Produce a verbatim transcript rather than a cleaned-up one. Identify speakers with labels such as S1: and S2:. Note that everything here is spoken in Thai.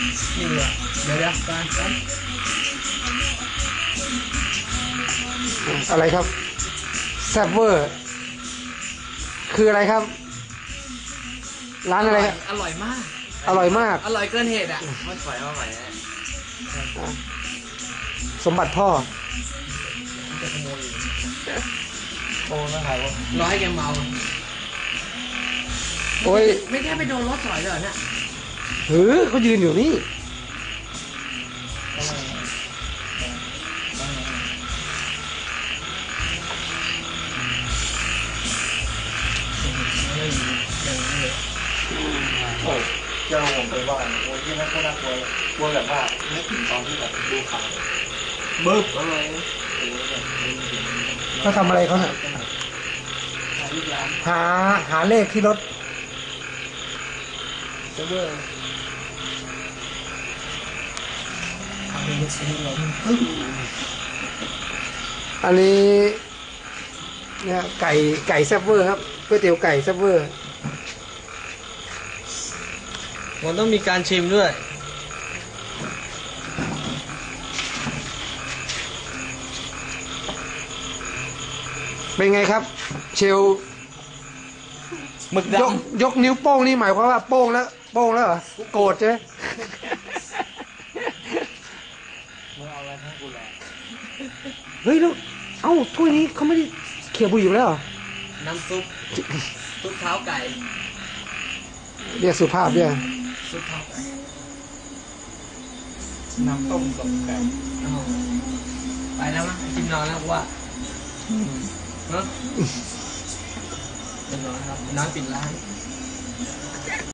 S1: นี่เดี๋ยวเดี๋ยวการ
S2: อะไรครับแซบเวอร์คืออะไรครับร้านอะไรครับ
S1: อร่อยมาก
S2: อร่อยมาก
S1: อร่อยเกินเหตุอ่ะมันปล่อยมาใหม่นะ
S2: สมบัติพ่อ
S1: จะขโมย
S3: โอ้นะครับว่า
S1: ร้อยแกเมา
S2: โอ้ย
S1: ไม่แค่ไปโดนรถถอยเลยเนี่ย
S2: เฮ้ยเขายืนอยู่นี่
S3: โอ้เจ้าผมไปบ้านโอ้ยที่นั่นก็น่ากลัวกลัวแบบว่าไม่ถึงตอนที่แบบดูข่าวบึ้บอะไร
S2: เขาทำอะไรเขาเนี่ยหาหาเลขที่รถ
S1: เซิร์ฟเวอร์ทำเป็นชิ้นเลย
S2: อันนี้เนี่ยไก่ไก่แซบเวอร์ครับก๋วยเตี๋ยวไก่แซบเวอร์
S1: มันต้องมีการชิมด้วย
S2: เป็นไงครับเชล
S1: หมึกด
S2: ำยกยกนิ้วโป้งนี่หมายความว่าโป้งแล้วโป้งแล้วเหรอโกรธใช่ไหม
S3: มึงเอาอะไรให้กูแหละ
S2: เฮ้ยแล้วเอ้าถ้วยนี้เขาไม่ได้เขี่ยบุหรี่แล้วเหรอ
S1: น้ำซุปซุปเท้าไก่
S2: เรียกสุภาพเนี่ย
S1: ซุปเท้าไก่
S3: น้ำต้มกับไก่
S1: ไปแล้วมั้งกินนอนแล้วว่าเนาะเป็นนอนครับนอนปิดร้าน